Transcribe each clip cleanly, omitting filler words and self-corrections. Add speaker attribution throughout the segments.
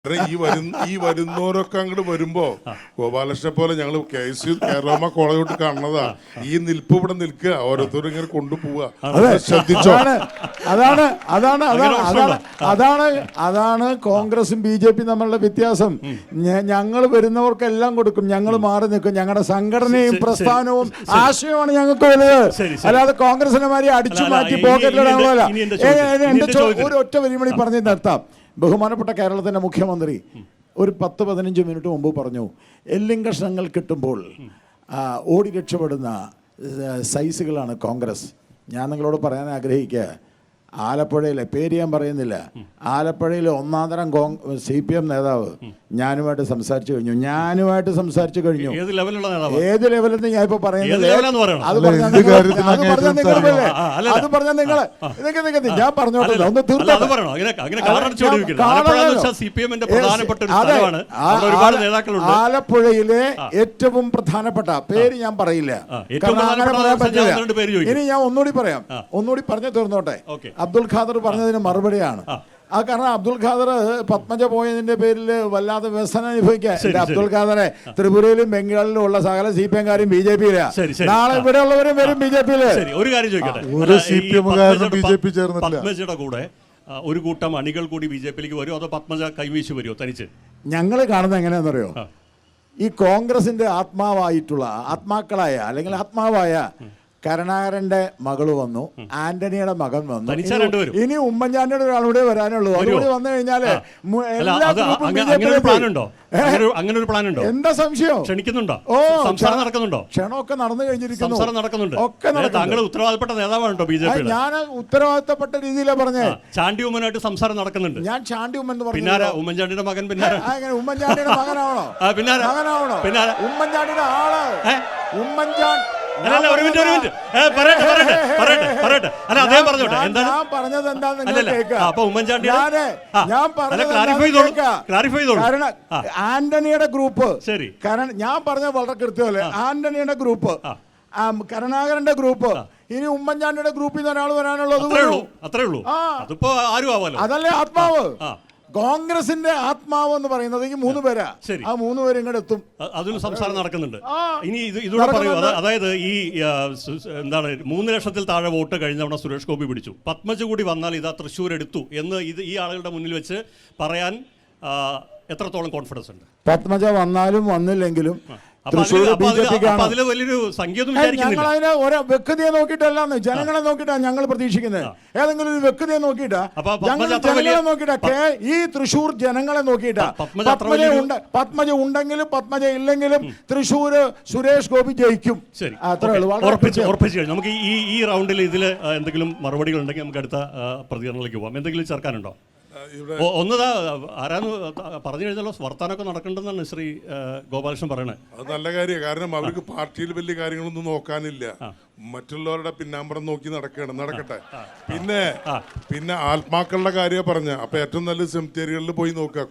Speaker 1: ഈ വരുന്നവരൊക്കെ അങ്ങോട്ട് വരുമ്പോ ഗോപാലകൃഷ്ണനെ പോലെ ഞങ്ങൾ കേരള കോളേജോട്ട് കാണുന്നതാ. ഈ നിൽപ്പ് ഇവിടെ നിൽക്കുക, ഓരോരുത്തരും ഇങ്ങനെ കൊണ്ടുപോവുക. ശ്രദ്ധിച്ചോ?
Speaker 2: അതാണ് കോൺഗ്രസും ബി ജെ പി തമ്മിലുള്ള വ്യത്യാസം. ഞങ്ങൾ വരുന്നവർക്കെല്ലാം കൊടുക്കും, ഞങ്ങൾ മാറി നിൽക്കും. ഞങ്ങളുടെ സംഘടനയും പ്രസ്ഥാനവും ആശയമാണ് ഞങ്ങൾക്ക് വലുത്. അല്ലാതെ കോൺഗ്രസിനെ മാതിരി അടിച്ചു മാറ്റി പോക്കറ്റിലിടാനുള്ള. ഒരു ഒറ്റ വരിമണി പറഞ്ഞ് നിർത്താം. ബഹുമാനപ്പെട്ട കേരളത്തിൻ്റെ മുഖ്യമന്ത്രി ഒരു 10-15 മിനിറ്റ് മുമ്പ് പറഞ്ഞു, എല്ലും കഷ്ണങ്ങൾ കിട്ടുമ്പോൾ ഓടി രക്ഷപ്പെടുന്ന സൈസുകളാണ് കോൺഗ്രസ്. ഞാൻ നിങ്ങളോട് പറയാൻ ആഗ്രഹിക്കുക, ആലപ്പുഴയിലെ പേര് ഞാൻ പറയുന്നില്ല, ആലപ്പുഴയിലെ ഒന്നാന്തരം CPM നേതാവ് ഞാനുമായിട്ട് സംസാരിച്ചു കഴിഞ്ഞു. ഏത് ലെവലെന്ന് ഞാൻ ഇപ്പൊ പറയുന്നത് അത് പറഞ്ഞാൽ നിങ്ങൾ ഞാൻ പറഞ്ഞോട്ടെ, ഒന്ന് ആലപ്പുഴയിലെ ഏറ്റവും പ്രധാനപ്പെട്ട പേര് ഞാൻ പറയില്ല, ഇനി ഞാൻ ഒന്നുകൂടി പറഞ്ഞു തീർന്നോട്ടെ. അബ്ദുൽ ഖാദർ പറഞ്ഞതിന് മറുപടിയാണ്. കാരണം അബ്ദുൽ ഖാദർ പത്മജ പോയതിന്റെ പേരിൽ വല്ലാതെ വ്യസനം അനുഭവിക്കുക. അബ്ദുൽ ഖാദറെ ത്രിപുരയിലും ബംഗാളിലും ഉള്ള സകല CPM കാരും BJP-യിലാ. നാളെ ഇവിടെ ഉള്ളവരും വരും BJP-യില്.
Speaker 3: ഒരു കാര്യം ചോദിക്കട്ടെ, പത്മജയുടെ കൂടെ ഒരു കൂട്ടം അണികൾ കൂടി BJP-യിലേക്ക് വരുമോ, അതോ പത്മജ കൈവീശി വരുമോ തനിച്ച്?
Speaker 2: ഞങ്ങൾ കാണുന്നത് എങ്ങനെയാണെന്നറിയോ, ഈ കോൺഗ്രസിന്റെ ആത്മാക്കളായ അല്ലെങ്കിൽ ആത്മാവായ കരുണാകരന്റെ മകള് വന്നു, ആന്റണിയുടെ മകൻ വന്നു, ഇനി ഉമ്മൻചാണ്ടിയുടെ ഒരാളൂടെ വരാനുള്ളൂ. അതുകൂടി വന്നു കഴിഞ്ഞാല് എന്താ സംശയം?
Speaker 3: ക്ഷണിക്കുന്നുണ്ടോ?
Speaker 2: ക്ഷണമൊക്കെ നടന്നു കഴിഞ്ഞിരിക്കുന്നു.
Speaker 3: ഉത്തരവാദപ്പെട്ട നേതാവാണോ BJP?
Speaker 2: ഞാൻ ഉത്തരവാദിത്തപ്പെട്ട രീതിയിലാണ് പറഞ്ഞത്.
Speaker 3: ചാണ്ടി ഉമ്മനായിട്ട് സംസാരം നടക്കുന്നുണ്ട്.
Speaker 2: ഞാൻ ചാണ്ടി ഉമ്മൻ എന്ന് പറഞ്ഞു.
Speaker 3: ഉമ്മൻചാണ്ടിയുടെ മകൻ
Speaker 2: ഉമ്മൻചാണ്ടിയുടെ മകനാവണോ? ഉമ്മൻചാണ്ടിയുടെ ആള് ഉമ്മൻചാണ്ടി. ഞാൻ പറഞ്ഞത് ആന്റണിയുടെ ഗ്രൂപ്പ്, ഞാൻ പറഞ്ഞത് വളരെ കൃത്യമല്ലേ, ആന്റണിയുടെ ഗ്രൂപ്പ്, കരുണാകരന്റെ ഗ്രൂപ്പ്, ഇനി ഉമ്മൻചാണ്ടിയുടെ ഗ്രൂപ്പിൽ നിന്ന് ഒരാൾ വരാനുള്ളത്. അതല്ലേ ആത്മാവ്? കോൺഗ്രസിന്റെ ആത്മാവ് എന്ന് പറയുന്നത് ഈ 3 പേരാ. ആ 3 പേര് ഇങ്ങോട്ട് എത്തും.
Speaker 3: അതിന് സംസാരം നടക്കുന്നുണ്ട്. ഇനി ഇതൂടെ പറയൂ, അതായത് ഈ എന്താണ് 3 ലക്ഷത്തിൽ താഴെ വോട്ട് കഴിഞ്ഞ തവണ സുരേഷ് ഗോപി പിടിച്ചു, പത്മജ കൂടി വന്നാൽ ഇതാ തൃശ്ശൂർ എടുത്തു എന്ന് ഈ ആളുകളുടെ മുന്നിൽ വെച്ച് പറയാൻ എത്രത്തോളം കോൺഫിഡൻസ് ഉണ്ട്?
Speaker 2: പത്മജ വന്നാലും വന്നില്ലെങ്കിലും
Speaker 3: വലിയൊരു സംഖ്യ
Speaker 2: ഞങ്ങൾ അതിനെ ഒരു വ്യക്തിയെ നോക്കിയിട്ടല്ലാന്ന്, ജനങ്ങളെ നോക്കിയിട്ടാണ് ഞങ്ങൾ പ്രതീക്ഷിക്കുന്നത്. ഏതെങ്കിലും ഒരു വ്യക്തിയെ നോക്കിയിട്ടാ, ഞങ്ങൾ ജനങ്ങളെ നോക്കിയിട്ടാ, ഈ തൃശ്ശൂർ ജനങ്ങളെ നോക്കിയിട്ടാ. പത്മജ ഉണ്ടെങ്കിലും പത്മജ ഇല്ലെങ്കിലും തൃശ്ശൂർ സുരേഷ് ഗോപി ജയിക്കും.
Speaker 3: ഉറപ്പിച്ചു. നമുക്ക് ഈ റൗണ്ടിൽ ഇതിൽ എന്തെങ്കിലും മറുപടികൾ ഉണ്ടെങ്കിൽ നമുക്ക് അടുത്ത പ്രതികരണത്തിലേക്ക് പോകാം. എന്തെങ്കിലും ചേർക്കാനുണ്ടോ? ഒന്നതാ ആരാന്ന് പറഞ്ഞു കഴിഞ്ഞാലോ വർത്താനൊക്കെ നടക്കണ്ടെന്നാണ് ശ്രീ ഗോപാലകൃഷ്ണൻ പറയണത്.
Speaker 1: അത് നല്ല കാര്യമാണ്. കാരണം അവർക്ക് പാർട്ടിയിൽ വലിയ കാര്യങ്ങളൊന്നും നോക്കാനില്ല, മറ്റുള്ളവരുടെ പിന്നാമ്പറം നോക്കി നടക്കട്ടെ. പിന്നെ ആത്മാക്കളുടെ കാര്യം പറഞ്ഞ അപ്പൊ ഏറ്റവും നല്ല സെമിത്തേരികളിൽ പോയി നോക്കുക,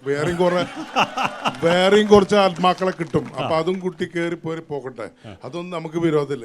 Speaker 1: വേറെയും കുറച്ച് ആത്മാക്കളെ കിട്ടും. അപ്പൊ അതും കുട്ടി കയറി പോകട്ടെ, അതൊന്നും നമുക്ക് വിരോധമില്ല.